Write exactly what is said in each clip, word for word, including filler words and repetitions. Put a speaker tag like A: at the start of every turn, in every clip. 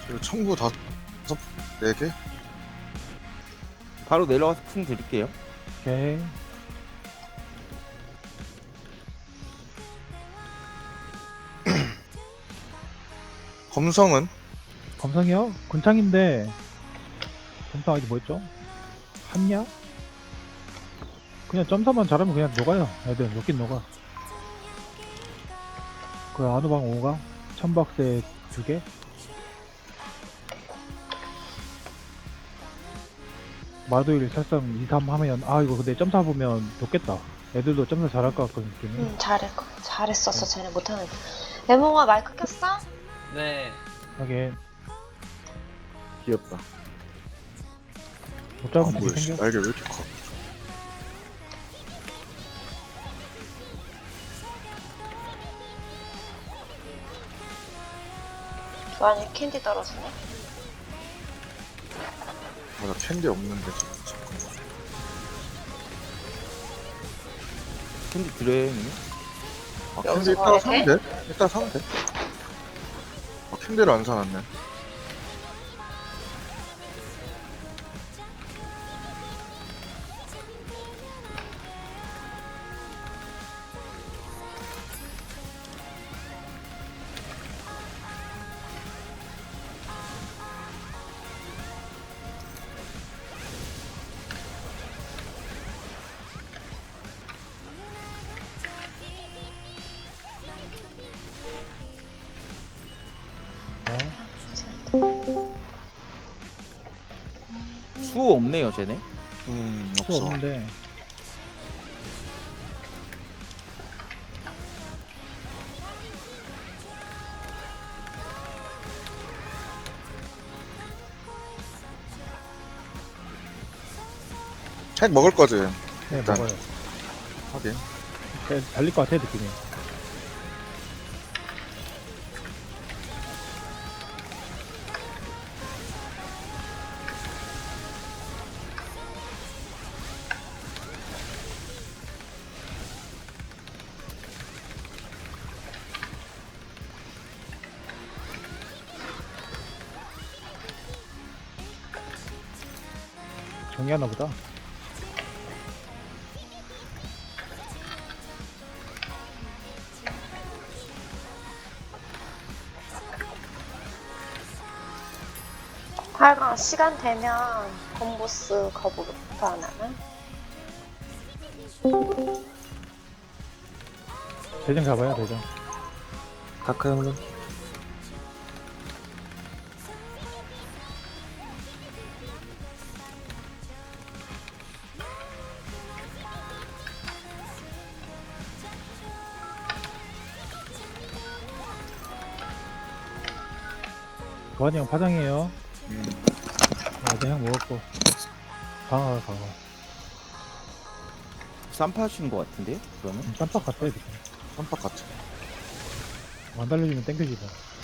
A: 그리고 청구 다섯, 네 개?
B: 바로 내려가서 풍 드릴게요.
C: 오케이.
A: 검성은?
C: 검성이요? 군창인데 검성 아직 뭐였죠? 한야? 그냥 점사만 잘하면 그냥 녹아요. 애들 녹긴 녹아. 그 아누방 오가 천박새 두 개. 마도일 살상 이, 삼 하면 아 이거 근데 점사 보면 녹겠다. 애들도 점사 잘할 것 같거든 느낌이.
D: 응, 잘했, 잘했었어. 쟤네 못하는. 레몽아, 마이크 켰어?
E: 네.
C: 하긴
B: 귀엽다.
C: 못
A: 아,
C: 잡으면
A: 뭐야,
C: 되게
A: 씨.
C: 생겨.
A: 날개 왜 이렇게 커?
D: 완전 캔디 떨어지네.
A: 아, 나 캔디 없는데, 지금. 잠깐만.
B: 캔디 드려요, 형님?
A: 아, 캔디
D: 여기서
A: 이따가
D: 거래
A: 사면 돼? 이따가 사면 돼. 아, 캔디를 안 사놨네.
B: 수 없네요, 쟤네.
A: 음,
C: 수
A: 없어.
C: 없는데
A: 핵 먹을 거지?
C: 네
A: 일단.
C: 먹어요.
A: 하긴.
C: 네, 달릴 것 같아 느낌이. 정리하나 보다.
D: 하여간 시간 되면 건보스 거부부터 안 하나?
C: 대전 가봐요 대전.
B: 다크 형님.
C: 도환이 형 파장이에요.
A: 음,
C: 어제 형 먹었고 강화 강화.
B: 쌈파신 것 같은데요? 그러면?
C: 음, 깜빡 갔어요 느낌.
A: 깜빡 같아.
C: 안 달려주면 땡겨지다.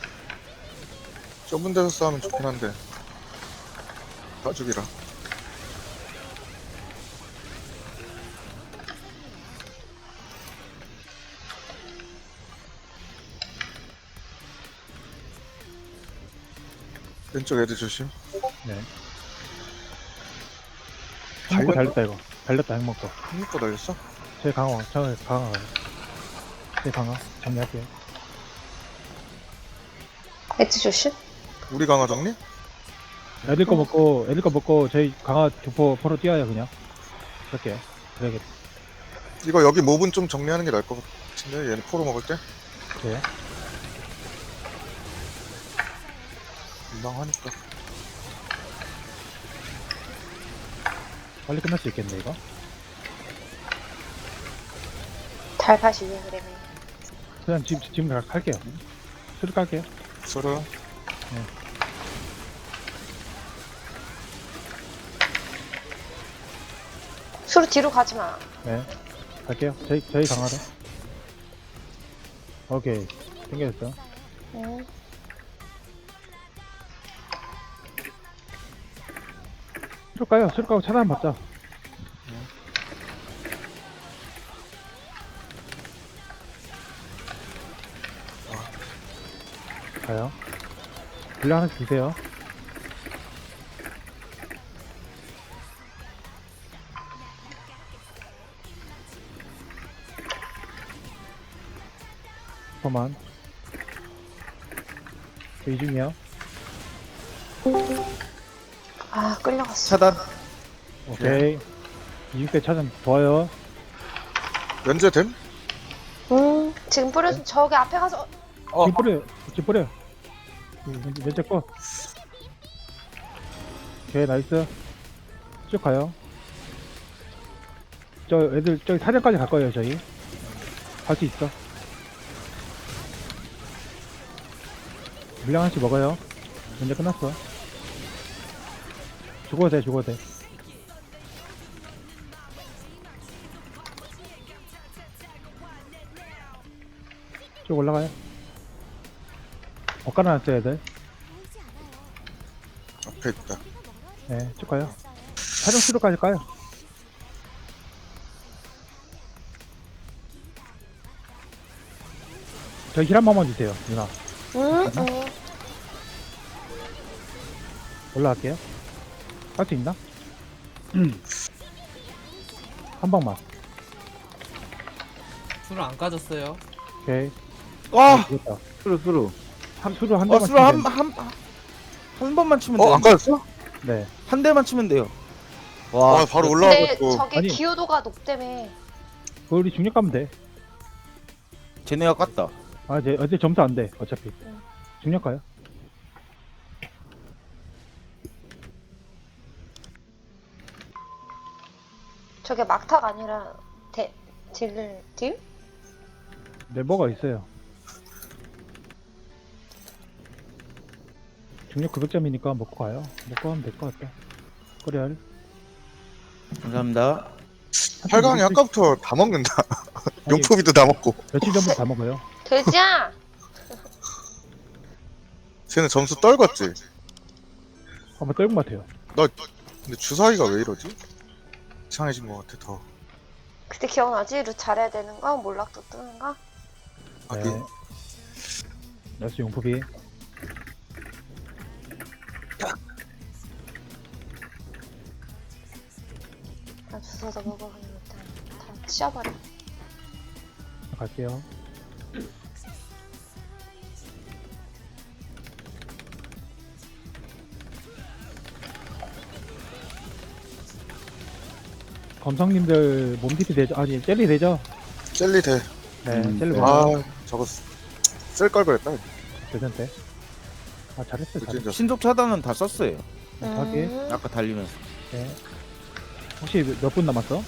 A: 좁은 데서 싸우면 좋긴 한데. 가죽이라. 왼쪽 애들 조심.
C: 네. 형 먹고 달렸다 이거. 달렸다 형 먹고.
A: 한입고 날렸어?
C: 제 강화 저 강화 가요. 제 강화 정리할게요.
D: 엣지 조심.
A: 우리 강화 정리?
C: 애들 거 먹고 애들 거 먹고 저희 강화 교포 포로 뛰어요 그냥. 그렇게 그래야겠다.
A: 이거 여기 몹은 좀 정리하는 게 나을 것 같은데, 얘는 포로 먹을 때?
C: 네.
A: 민망하니까.
C: 빨리 끝날 수 있겠네 이거.
D: 달팟이 왜 그래?
C: 그냥 지금 지금 가- 갈게요. 수를 깔게요.
A: 서로.
D: 수로 뒤로 가지 마.
C: 네. 갈게요. 저희 저희 강화로. 오케이. 땡겨졌어.
D: 응.
C: 수를 까요. 수를 까고 차단 받자. 가요. 빌라 하나씩 주세요. 잠깐만. 저 이중이요.
D: 아, 끌려갔어.
B: 차단.
C: 오케이. 이중 때 차전 좋아요.
A: 면제됨?
D: 음, 지금 뿌려서 저기 앞에 가서
A: 어.
C: 집 뿌려. 집 뿌려.
A: 음.
C: 왼쪽 거. 오케이, 나이스. 쭉 가요. 저 애들 저기 사냥까지 갈 거예요, 저희. 갈 수 있어. 물량 하나씩 먹어요. 이제 끝났어. 죽어도 돼, 죽어도 돼. 쭉 올라가요. 엇갈아 놨어요, 애들.
A: 앞에 있다.
C: 네, 쭉 가요. 촬영 수로까지 가요. 저희 힐 한 번만 주세요, 누나.
D: 음, 음.
C: 올라갈게요. 할 수 있나? 한 방만.
E: 술을 안 까졌어요.
C: 오케이.
B: 와!
C: 죽었다.
B: 수루, 수루.
C: 한, 수로 한
B: 어,
C: 대만
B: 수루 한,
C: 치면
B: 한, 한, 한 번만 치면
A: 어,
B: 돼요.
A: 안 까졌어?
C: 돼요. 네.
B: 한 대만 치면 돼요.
A: 와,
B: 와,
A: 바로
D: 근데
A: 올라와가지고.
D: 저기
C: 아니.
D: 기여도가 높다며.
C: 그거 우리 중력 가면 돼.
B: 쟤네가 깠다.
C: 아, 이제, 어제 점수 안 돼, 어차피.
D: 응.
C: 중력 가요.
D: 저게 막타가 아니라 대, 딜, 딜?
C: 네, 뭐가 있어요. 중력 구백 점이니까 먹고 가요. 먹고 가면 될 것 같다. 코리알.
B: 감사합니다.
A: 팔 강이 아까부터 다 먹는다. 용포비도 다 먹고.
C: 며칠 전부터 다 먹어요.
D: 돼지야!
A: 쟤는 점수 떨궜지.
C: 한번 떨군 것 같아요.
A: 근데 주사위가 왜 이러지? 이상해진 것 같아, 더.
D: 그때 기억나지? 루 잘해야 되는 거? 몰락도 뜨는 거?
A: 아기.
C: 네. 나스 용포비.
D: 나 주워서 먹어보니 일단 다 씌워버려.
C: 갈게요. 검성님들 몸티피 되죠? 아니 젤리 되죠?
A: 젤리 돼.
C: 네,
B: 음,
C: 젤리
B: 네.
C: 먹어요.
A: 아, 저거 쓸 걸 그랬다.
C: 괜찮대. 아 잘했어,
A: 그치,
C: 잘했어.
A: 이제.
B: 신속 차단은 다 썼어요.
C: 하게.
D: 음,
B: 아까 달리면서.
C: 네. 혹시 몇 분 남았어?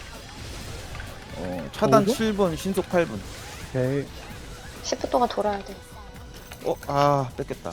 B: 어, 차단
C: 오 분?
B: 칠 분, 신속 팔 분.
C: 오케이.
D: 십 분 동안 돌아야 돼.
B: 어, 아, 뺏겼다.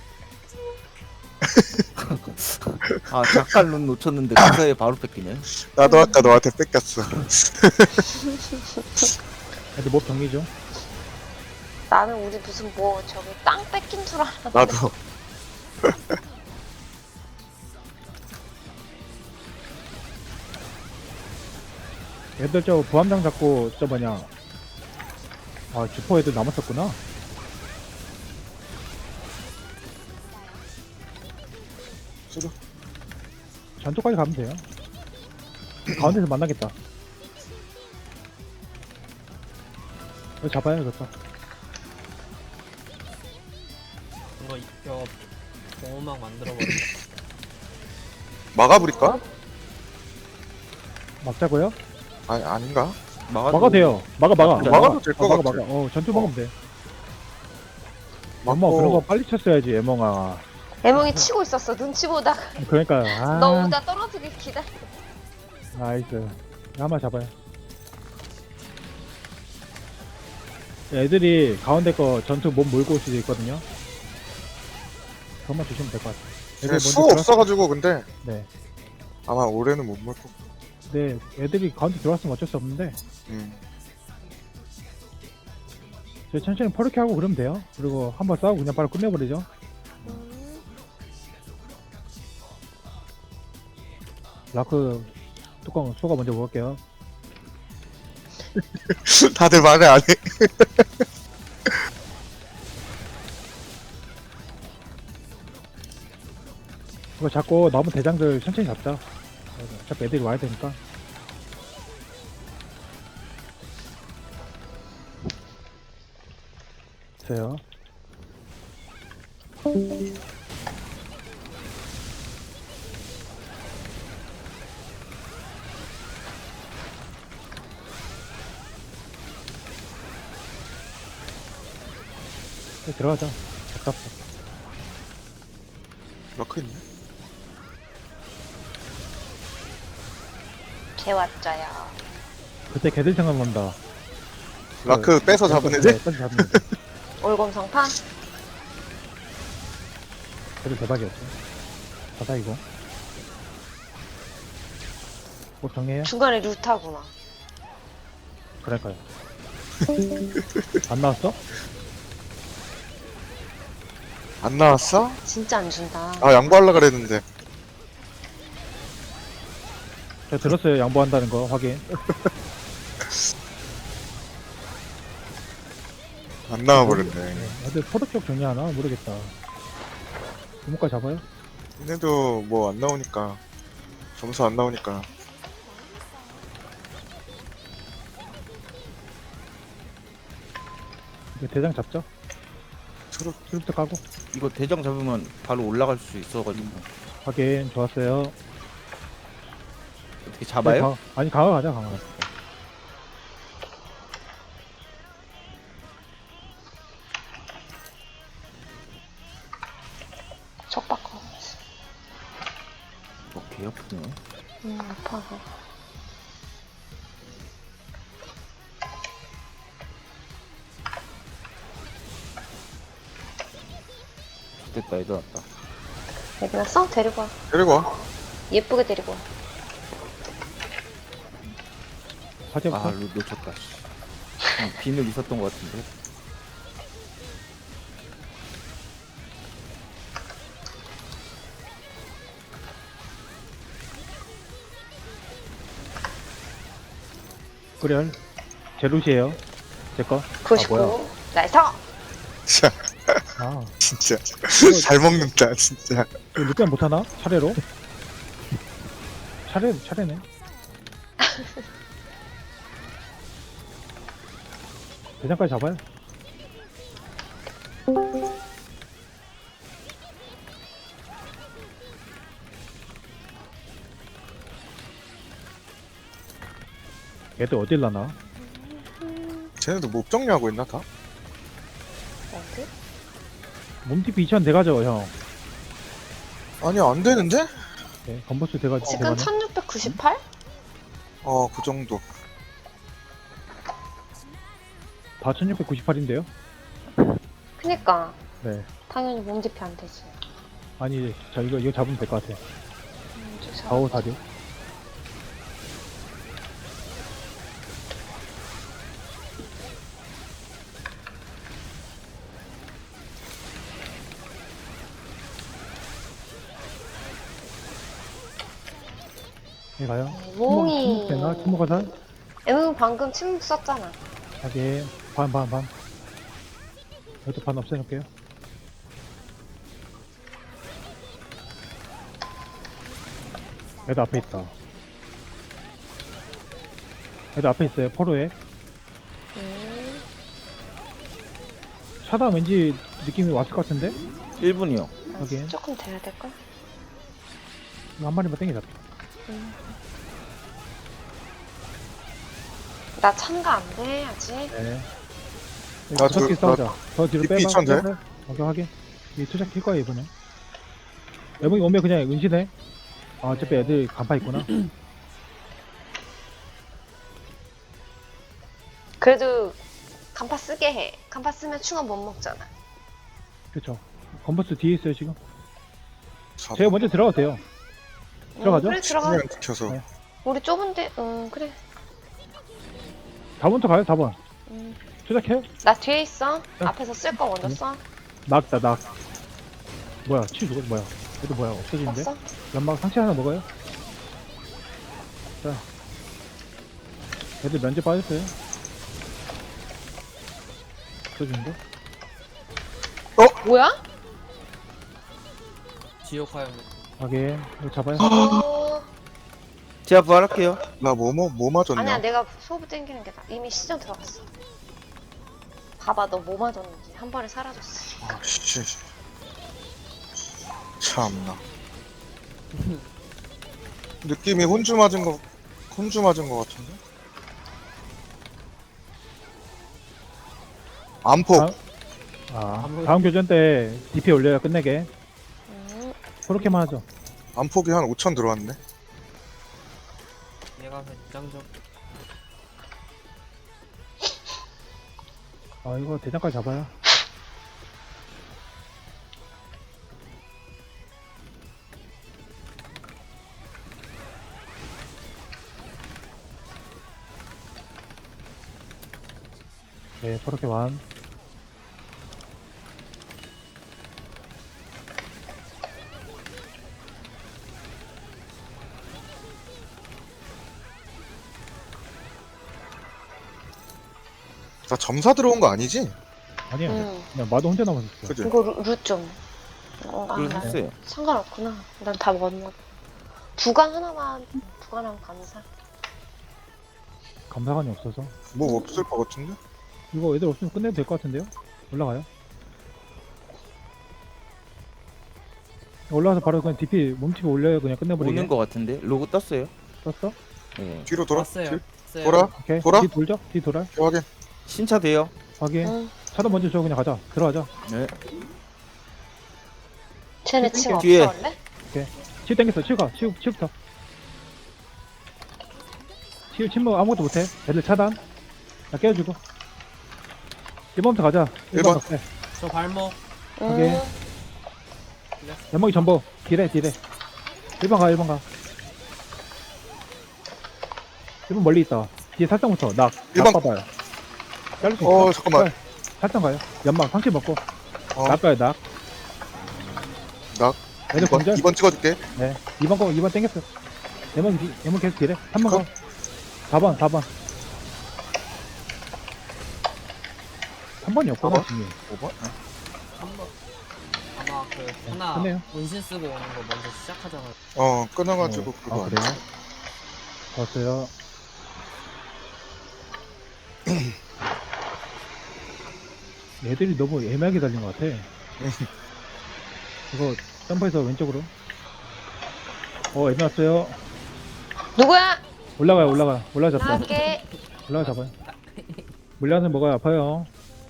B: 아, 작갈 룬 놓쳤는데 그 사이에 바로 뺏기네.
A: 나도 아까 너한테 뺏겼어.
C: 애들 뭐 정리 좀.
D: 나는 우리 무슨 뭐 저기 땅 뺏긴 줄 알았는데.
A: 나도.
C: 애들 저 부함장 잡고 저 뭐냐. 아 주포 애들 남았었구나.
A: 수루.
C: 전투까지 가면 돼요. 가운데서 만나겠다. 이거 잡아야겠다.
E: 이거 이거 공음악 만들어버려.
A: 막아버릴까?
C: 막자고요?
A: 아니, 아닌가?
B: 막아도,
C: 막아 돼요. 막아 막아.
B: 막아도
C: 막아.
A: 될것
C: 어, 막아
A: 같아.
C: 막아. 어 전투 막으면 돼.
A: 막고.
C: 엄마 그런 거 빨리 쳤어야지 애멍아.
D: 애몽이 치고 있었어. 눈치 보다가
C: 그러니까 아
D: 너 오다 떨어지길 기다려.
C: 나이스. 한번 잡아요. 애들이 가운데 거 전투 몸 몰고 올 수도 있거든요. 그것만 주시면 될 것 같아요. 애들
A: 쟤 수
C: 먼저
A: 없어가지고, 근데.
C: 네.
A: 아마 올해는 못 먹을 거.
C: 네, 애들이 가운데 들어왔으면 어쩔 수 없는데
A: 음.
C: 저희 천천히 퍼렇게 하고 그러면 돼요. 그리고 한번 싸우고 그냥 바로 끝내버리죠.
D: 음,
C: 라크 뚜껑 소가 먼저 먹을게요.
A: 다들 말을 안 해.
C: 이거 잡고 남은 대장들 천천히 잡자. 어차피 애들이 와야 되니까. 됐어요. 네, 들어가자. 답답해.
A: 라크 있네.
D: 개왔자야.
C: 그때 걔들 생각난다.
A: 라크 빼서 잡은 애들?
C: 네, 빼서 잡은 애들.
D: 올검성판?
C: 걔들 대박이었죠. 바다 이거. 뭐 정해요?
D: 중간에 루타구나.
C: 그럴까요? 안 나왔어?
A: 안 나왔어?
D: 진짜 안 준다.
A: 아, 양보하려 그랬는데.
C: 제가 들었어요. 양보한다는 거 확인.
A: 안 나와버렸네.
C: 근데 포도 쪽 정리하나? 모르겠다. 주목까지 잡아요?
A: 얘네도 뭐 안 나오니까. 점수 안 나오니까.
C: 이거 대장 잡죠?
A: 서로
C: 트립도 까고.
B: 이거 대장 잡으면 바로 올라갈 수 있어가지고
C: 확인. 좋았어요.
B: 어떻게 잡아요?
C: 네, 가, 아니 강화 가자 강화.
D: 척박거.
B: 어, 개 아프네.
D: 음, 아파서.
B: 됐다, 애들 왔다.
D: 애들아, 써? 데리고 와.
A: 데리고 와.
D: 예쁘게 데리고 와.
C: 화제부터.
B: 아, 루 놓쳤다. 씨. 어, 비늘 있었던 것 같은데.
C: 그래. 제루시에요. 제거.
D: 구십구. 나이스!
A: 진짜,
C: 아.
A: 진짜. 잘 먹는다, 진짜.
C: 이거 늦게는 못하나? 차례로? 차례, 차례네. 대장까지 잡아요. 얘들 어딜 나나?
A: 쟤네도 목 정리하고 있나, 다?
D: 어디?
C: 몸티피 이천 돼가죠, 형.
A: 아니, 안 되는데?
C: 네, 건버스 돼가지고.
D: 지금
C: 돼가네.
D: 천육백구십팔?
A: 어, 그 정도.
C: 다 천육백구십팔인데요?
D: 그니까.
C: 네.
D: 당연히 몸집이 안 되지.
C: 아니, 저 이거, 이거 잡으면 될 것 같아요.
D: 음, 저 사람.
C: 사오 사육. 네, 가요.
D: 몽이.
C: 침묵 되나? 침묵 화살?
D: 응, 방금 침묵 썼잖아.
C: 하긴, 반, 반, 반. 이것도 반 없애놓을게요. 애들 앞에 있다. 애들 앞에 있어요, 포로에.
D: 음,
C: 차단 왠지 느낌이 왔을 것 같은데?
B: 일 분이요.
C: 하긴.
D: 조금 돼야 될걸?
C: 이거 한 마리만 땡기자.
D: 나 참가 안 돼, 아직.
C: 네.
A: 나
C: 저, 기
A: 저-
C: 싸우자. 더 뒤로
A: 디피
C: 빼봐.
A: 이천 돼?
C: 빼봐. 오케이, 확인. 이 투작 킬 거야, 이번에. 애몽이 오면 그냥 은신해. 아, 어차피 애들 간파 있구나.
D: 그래도 간파 쓰게 해. 간파 쓰면 충원 못 먹잖아.
C: 그쵸. 건버스 뒤에 있어요, 지금.
A: 사
C: 제가 먼저 들어가도 돼요. 들어가죠?
D: 응, 그래, 들어가.
A: 그냥 지켜서.
C: 네.
D: 우리 좁은데, 응, 그래.
C: 사 번부터 가요, 사 번.
D: 응.
C: 투작해요?
D: 나 뒤에 있어.
C: 네.
D: 앞에서 쓸 거 먼저 써.
C: 낙다, 낙. 뭐야, 치 누구, 뭐야. 얘도 뭐야, 없어지는데?
D: 없어?
C: 연막 상체 하나 먹어요. 자. 애들 면제 빠졌어요. 없어지는데?
D: 뭐야?
E: 지옥 화염
C: 확인. 이거 잡아요.
D: 어...
B: 제가 부활할게요.
A: 나 뭐 뭐 뭐 맞았냐?
D: 아니야 내가 소부 땡기는 게 나. 이미 시전 들어갔어. 봐봐 너 뭐 맞았는지 한 번에 사라졌어.
A: 아, 씨. 참나. 느낌이 혼주 맞은 거, 혼주 맞은 거 같은데? 안폭.
C: 아, 아, 다음 교전 때 디피 올려야 끝내게.
D: 음,
C: 그렇게만 하죠.
A: 안폭이 한 오천 들어왔네.
E: 얘가 대장 좀.
C: 아, 이거 대장까지 잡아요. 네, 그렇게 완.
A: 나 점사 들어온 거 아니지?
C: 아니야.
D: 음.
C: 그냥 마도 혼자 남았었어.
A: 그지?
D: 이거 루, 루 좀. 어, 아,
B: 그걸
D: 나
B: 했어요.
D: 상관없구나. 난 다 먹었나. 두간 하나만 두간하면 감사.
C: 감사관이 없어서.
A: 뭐 없을 것 같은데?
C: 이거 애들 없으면 끝내도 될 것 같은데요? 올라가요. 올라가서 바로 그냥 디피 몸집에 올려요. 그냥 끝내버리게.
B: 오는 거 같은데 로고 떴어요.
C: 떴어?
B: 네.
A: 뒤로 돌아?
E: 왔어요.
A: 뒤-
E: 왔어요.
A: 돌아?
C: 오케이.
A: 돌아?
C: 뒤 돌죠? 뒤 돌아.
A: 확인.
B: 신차 돼요.
C: 확인.
D: 응.
C: 차도 먼저 줘. 그냥 가자. 들어가자.
B: 네.
D: 쟤네 침 없어
B: 뒤에.
D: 원래?
C: 치우 땡겼어. 치우 가. 치우, 치우부터. 치우 침묵 아무것도 못해. 애들 차단. 나 깨워주고. 일 번부터 가자. 일 번.
A: 일 번.
E: 저 발목.
C: 오케이.
D: 음,
C: 연막이 전보. 딜해, 딜해. 일 번 가, 일 번 가. 일 번 멀리 있다. 뒤에 살짝부터. 낙.
A: 일
C: 낙
A: 번.
C: 봐봐요. 자를 수 있어?
A: 어, 잠깐만.
C: 네. 살짝 가요. 연막 상치 먹고.
A: 어,
C: 낙 가요, 낙.
A: 낙.
C: 애들
A: 이 번,
C: 공절.
A: 이 번 찍어줄게.
C: 네. 이 번 거, 이 번 땡겼어. 예문, 디- 예문 계속 딜해. 삼 번 가. 사 번, 사 번. 삼 번이 없구나,
A: 사 번?
C: 지금.
A: 오 번?
E: 한번 아마 그 하나
C: 끝내요.
E: 운신 쓰고 오는 거 먼저 시작하잖아요.
A: 어, 끊어가지고 그거
C: 아,
A: 안
C: 그래요?
A: 돼.
C: 좋았어요. 얘들이 너무 애매하게 달린 것 같아. 이거 점프해서 왼쪽으로. 어, 애매 왔어요.
D: 누구야?
C: 올라가요, 올라가. 올라가 잡자.
D: 나갈게.
C: 올라가 잡아요. 물량은 먹어야 아파요.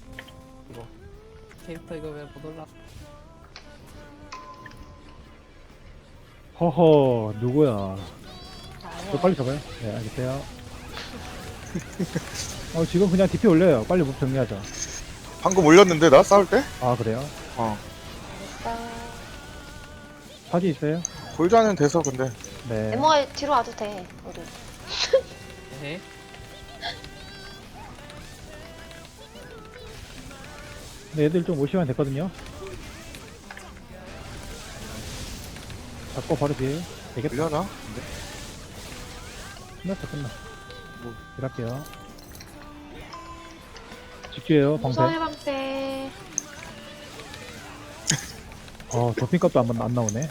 E: 캐릭터 이거 왜 못 올라?
C: 허허, 누구야. 또
D: 아니야.
C: 빨리 잡아요. 네, 알겠어요. 어, 지금 그냥 디피 올려요. 빨리 목 정리하자.
A: 방금 올렸는데, 나 싸울 때?
C: 아, 그래요?
A: 어.
D: 알겠어.
C: 사지 있어요?
A: 골자는 돼서 근데.
C: 네.
D: 에모가 뒤로 와도 돼. 우리.
E: 에헤.
C: 근데 애들 좀 올 시간 됐거든요. 잡고 바로 뒤에. 되겠다.
A: 올려나?
C: 끝났어, 끝나.
A: 뭐.
C: 일할게요. 집주예요, 방패.
D: 무성의 방패.
C: 어, 도핑값도 안, 안 나오네.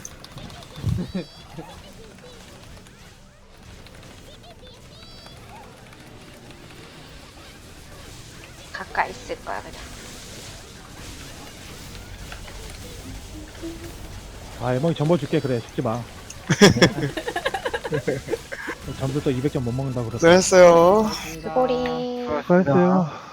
D: 가까이 있을 거야 그냥.
C: 아, 에몽이 전보 줄게. 그래, 죽지 마. 점수 또 이백 점 못 먹는다 그랬어.
A: 네, 했어요.
E: 고맙습니다.
D: 수고리.
C: 수고했어요.